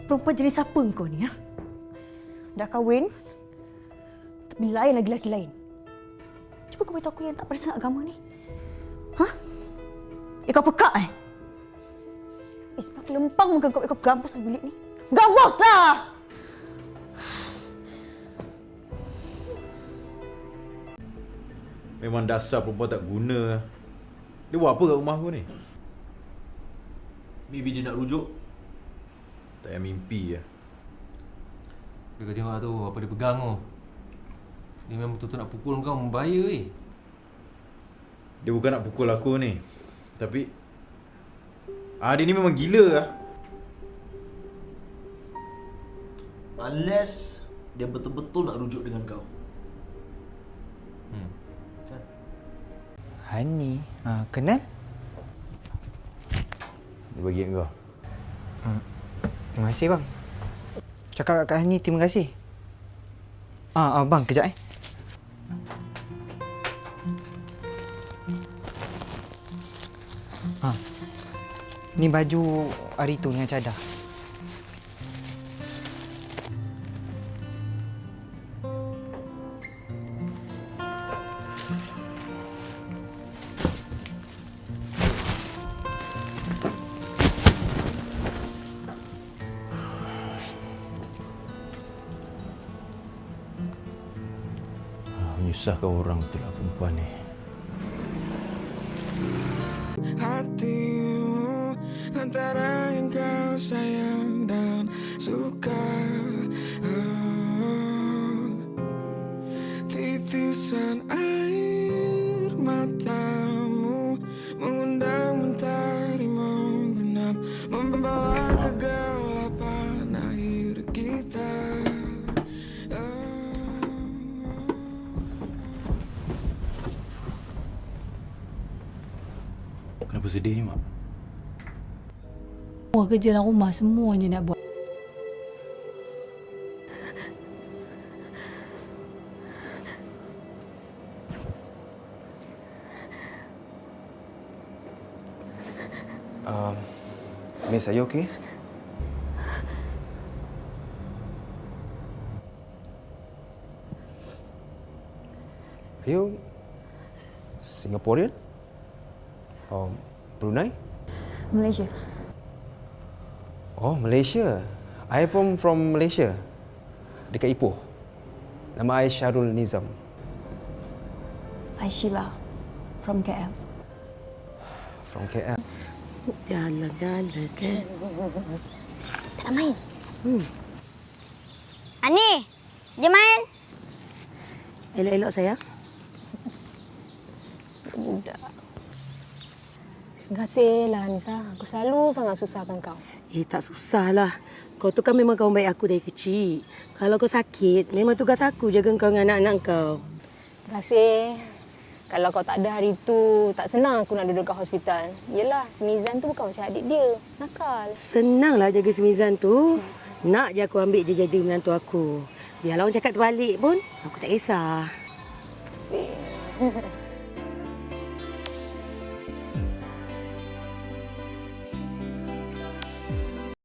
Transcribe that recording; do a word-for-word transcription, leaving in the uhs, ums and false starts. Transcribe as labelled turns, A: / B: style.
A: Perempuan jenis apa kau ni, ha? Dah kahwin, tapi lain lagi lelaki lain. Cuba kau beritahu aku yang tak pada sangat agama ni. Ha? Eh, kau pekak eh? Eh, sebab aku lempang muka kau, kau gambus dalam bilik ni. Gambuslah!
B: Memang dasar perempuan tak guna. Dia buat apa kat rumah aku ni?
C: Maybe dia nak rujuk.
B: Tak payah mimpi lah.
C: Dia kau tengok tu apa dia pegang tu. Dia memang betul-betul nak pukul kau, membahaya weh.
B: Dia bukan nak pukul aku ni. Tapi ah, dia ni memang gila lah.
D: Unless dia betul-betul nak rujuk dengan kau.
C: Hmm.
D: Kan?
E: Hani, ha, kenal?
B: Dia bagi kat kau.
E: Ha, terima kasih bang. Cakap kat Hani terima kasih. Ah, ah bang, kejap eh. Ha. Ni baju hari tu dengan cadar.
B: Menyusahkan orang betul lah perempuan ni.
F: Hatimu antara yang kau sayang dan suka, oh, titisan air matamu mengundang mentari membenam, membawa kegelapan air kita.
B: Kenapa sedih ni, Mak?
G: Semua kerja dalam rumah, semua je nak buat.
E: Um, Miss, are you okay? Are you Singaporean? Or Brunei?
A: Malaysia.
E: Oh, Malaysia. I from from Malaysia. Dekat Ipoh. Nama I Syarul Nizam.
A: I Sheila from K L.
E: From K L.
H: Jalan-jalan kan.
I: Tak nak main. Hmm. Ani, jom main.
H: Elok-elok sayang.
G: Budak. Terima kasihlah Nisa. Aku selalu sangat susahkan kau.
H: Eh, tak susahlah. Kau tu kan memang kawan baik aku dari kecil. Kalau kau sakit, memang tugas aku jaga kau dengan anak-anak kau.
G: Terima kasih. Kalau kau tak ada hari tu, tak senang aku nak duduk kat hospital. Yelah, Semizan tu bukan macam adik dia. Nakal.
H: Senanglah jaga Semizan tu. Nak je aku ambil dia jadi menantu aku. Biarlah orang cakap terbalik pun, aku tak kisah.
G: Terima kasih.